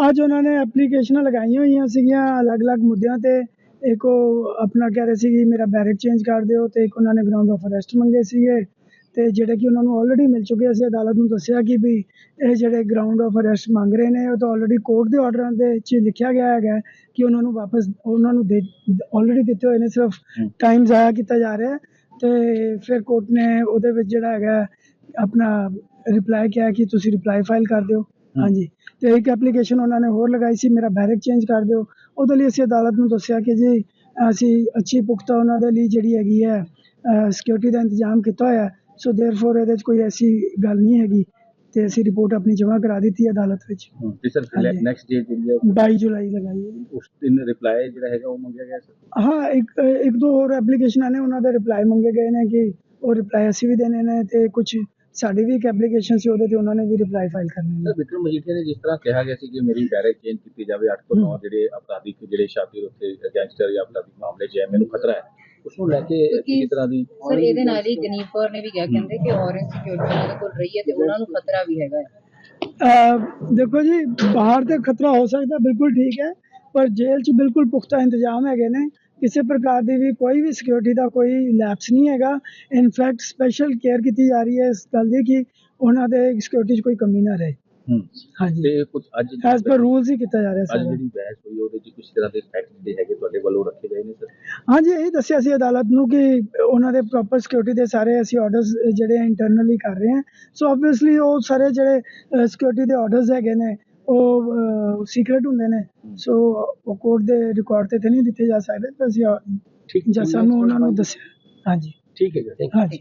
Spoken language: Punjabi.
ਅੱਜ ਉਹਨਾਂ ਨੇ ਐਪਲੀਕੇਸ਼ਨਾਂ ਲਗਾਈਆਂ ਹੋਈਆਂ ਸੀਗੀਆਂ ਅਲੱਗ-ਅਲੱਗ ਮੁੱਦਿਆਂ ਤੇ। ਇੱਕ ਉਹ ਆਪਣਾ ਕਹਿ ਰਹੇ ਸੀ ਕਿ ਮੇਰਾ ਬੈਰਕ ਚੇਂਜ ਕਰ ਦਿਓ, ਤੇ ਇੱਕ ਉਹਨਾਂ ਨੇ ਗਰਾਊਂਡ ਆਫ ਅਰੈਸਟ ਮੰਗੇ ਸੀਗੇ, ਤੇ ਜਿਹੜੇ ਕਿ ਉਹਨਾਂ ਨੂੰ ਆਲਰੇਡੀ ਮਿਲ ਚੁੱਕੇ। ਅਸੀਂ ਅਦਾਲਤ ਨੂੰ ਦੱਸਿਆ ਕਿ ਵੀ ਇਹ ਜਿਹੜੇ ਗਰਾਊਂਡ ਆਫ ਅਰੈਸਟ ਮੰਗ ਰਹੇ ਨੇ ਉਹ ਤਾਂ ਆਲਰੇਡੀ ਕੋਰਟ ਦੇ ਆਰਡਰਾਂ ਦੇ 'ਚ ਲਿਖਿਆ ਗਿਆ ਹੈਗਾ ਕਿ ਉਹਨਾਂ ਨੂੰ ਵਾਪਸ ਉਹਨਾਂ ਨੂੰ ਆਲਰੇਡੀ ਦਿੱਤੇ ਹੋਏ ਨੇ, ਸਿਰਫ ਟਾਈਮ ਜ਼ਾਇਆ ਕੀਤਾ ਜਾ ਰਿਹਾ। ਤੇ ਫਿਰ ਕੋਰਟ ਨੇ ਉਹਦੇ ਵਿੱਚ ਜਿਹੜਾ ਹੈਗਾ ਆਪਣਾ ਰਿਪਲਾਈ ਕਿਹਾ ਕਿ ਤੁਸੀਂ ਰਿਪਲਾਈ ਫਾਈਲ ਕਰ ਦਿਓ। ਹਾਂਜੀ, ਤੇ ਇੱਕ ਐਪਲੀਕੇਸ਼ਨ ਉਹਨਾਂ ਨੇ ਹੋਰ ਲਗਾਈ ਸੀ, ਮੇਰਾ ਬੈਰਕ ਚੇਂਜ ਕਰ ਦਿਓ। ਉਹਦੇ ਲਈ ਅਸੀਂ ਅਦਾਲਤ ਨੂੰ ਦੱਸਿਆ ਕਿ ਜੀ ਅਸੀਂ ਅੱਛੀ ਪੁਖਤਾ ਉਹਨਾਂ ਦੇ ਲਈ ਜਿਹੜੀ ਹੈਗੀ ਹੈ ਸਿਕਿਉਰਿਟੀ ਦਾ ਇੰਤਜ਼ਾਮ ਕੀਤਾ ਹੋਇਆ, ਸੋ ਦੇਅਰਫੋਰ ਇਹਦੇ 'ਚ ਕੋਈ ਐਸੀ ਗੱਲ ਨਹੀਂ ਹੈਗੀ, ਤੇ ਅਸੀਂ ਰਿਪੋਰਟ ਆਪਣੀ ਜਮ੍ਹਾਂ ਕਰਾ ਦਿੱਤੀ ਅਦਾਲਤ ਵਿੱਚ। ਤੇ ਸਰ ਨੈਕਸਟ ਡੇਟ ਜਿਹੜੀ ਹੈ 22 ਜੁਲਾਈ ਲਗਾਈ ਹੈ। ਉਸ ਦਿਨ ਰਿਪਲਾਈ ਜਿਹੜਾ ਹੈਗਾ ਉਹ ਮੰਗਿਆ ਗਿਆ ਸਰ? ਹਾਂ, ਇੱਕ ਦੋ ਹੋਰ ਐਪਲੀਕੇਸ਼ਨਾਂ ਨੇ, ਉਹਨਾਂ ਦੇ ਰਿਪਲਾਈ ਮੰਗੇ ਗਏ ਨੇ ਕਿ ਉਹ ਰਿਪਲਾਈ ਅਸੀਂ ਵੀ ਦੇਣੇ ਨੇ, ਤੇ ਕੁਛ ਸਾਡੀ ਵੀ ਇੱਕ ਐਪਲੀਕੇਸ਼ਨ ਸੀ ਉਹਦੇ ਤੇ ਉਹਨਾਂ ਨੇ ਵੀ ਰਿਪਲਾਈ ਫਾਈਲ ਕਰਨੇ ਨੇ। ਸਰ ਵਿਕਰਮ ਮਜੀਠੀਆ ਨੇ ਜਿਸ ਤਰ੍ਹਾਂ ਕਿਹਾ ਗਿਆ ਸੀ ਕਿ ਮੇਰੀ ਬੈਰਕ ਚੇਂਜ ਕੀਤੀ ਜਾਵੇ, 8 ਤੋਂ 9 ਜਿਹੜੇ ਅਪਰਾਧਿਕ ਜਿਹੜੇ ਸ਼ਾਤਿਰ ਉੱਥੇ ਗੈਂਗਸਟਰ ਜਾਂ ਅਪਰਾਧਿਕ ਮਾਮਲੇ 'ਚ ਹੈ, ਮੈਨੂੰ ਖਤਰਾ ਹੈ, ਉਸ ਨੂੰ ਲੈ ਕੇ ਕਿਸੇ ਤਰ੍ਹਾਂ ਦੀ। ਸਰ ਇਹਦੇ ਨਾਲ ਹੀ ਗਨੀਪ ਕੌਰ ਨੇ ਵੀ ਕਿਹਾ, ਕਹਿੰਦੇ ਕਿ ਔਰੰਜ ਸਿਕਿਉਰਿਟੀ ਉਹਨਾਂ ਦੇ ਕੋਲ ਰਹੀ ਹੈ ਤੇ ਉਹਨਾਂ ਨੂੰ ਖਤਰਾ ਵੀ ਹੈਗਾ ਹੈ। ਦੇਖੋ ਜੀ, ਬਾਹਰ ਤੇ ਖਤਰਾ ਹੋ ਸਕਦਾ, ਬਿਲਕੁਲ ਠੀਕ ਹੈ, ਪਰ ਜੇਲ੍ਹ 'ਚ ਬਿਲਕੁਲ ਪੁਖਤਾ ਇੰਤਜ਼ਾਮ ਹੈਗੇ ਨੇ। ਕਿਸੇ ਪ੍ਰਕਾਰ ਦੀ ਵੀ ਕੋਈ ਵੀ ਸਿਕਿਉਰਿਟੀ ਦਾ ਕੋਈ ਲੈਪਸ ਨਹੀਂ ਹੈਗਾ। ਇਨਫੈਕਟ ਸਪੈਸ਼ਲ ਕੇਅਰ ਕੀਤੀ ਜਾ ਰਹੀ ਹੈ ਇਸ ਗੱਲ ਦੀ ਕਿ ਉਹਨਾਂ ਦੇ ਸਿਕਿਉਰਿਟੀ 'ਚ ਕੋਈ ਕਮੀ ਨਾ ਰਹੇ। ਹਾਂਜੀ, ਤੇ ਕੁਝ ਅੱਜ ਐਜ਼ ਪਰ ਰੂਲਸ ਹੀ ਕੀਤਾ ਜਾ ਰਿਹਾ ਅੱਜ ਜਿਹੜੀ ਬਹਿਸ ਹੋਈ ਉਹਦੇ 'ਚ ਕੁਝ ਤਰ੍ਹਾਂ ਦੇ ਫੈਕਟ ਜਿਹੜੇ ਹੈਗੇ ਤੁਹਾਡੇ ਵੱਲੋਂ ਰੱਖੇ ਗਏ ਨੇ ਸਰ? ਹਾਂਜੀ, ਇਹੀ ਦੱਸਿਆ ਸੀ ਅਦਾਲਤ ਨੂੰ ਕਿ ਉਹਨਾਂ ਦੇ ਪ੍ਰੋਪਰ ਸਿਕਿਉਰਿਟੀ ਦੇ ਸਾਰੇ ਅਸੀਂ ਆਰਡਰਸ ਜਿਹੜੇ ਇੰਟਰਨਲੀ ਕਰ ਰਹੇ ਹਾਂ। ਸੋ ਆਬਵੀਅਸਲੀ ਉਹ ਸਾਰੇ ਜਿਹੜੇ ਸਿਕਿਉਰਿਟੀ ਦੇ ਆਰਡਰਸ ਹੈਗੇ ਨੇ ਉਹ ਸੀਕ੍ਰੇਟ ਹੁੰਦੇ ਨੇ, ਸੋ ਉਹ ਕੋਰਟ ਦੇ ਰਿਕਾਰਡ ਤੇ ਨਹੀਂ ਦਿੱਤੇ ਜਾ ਸਕਦੇ। ਤਾਂ ਅਸੀਂ ਸਾਨੂੰ ਉਹਨਾਂ ਨੂੰ ਦੱਸਿਆ। ਹਾਂਜੀ, ਠੀਕ ਹੈ ਜੀ। ਹਾਂਜੀ।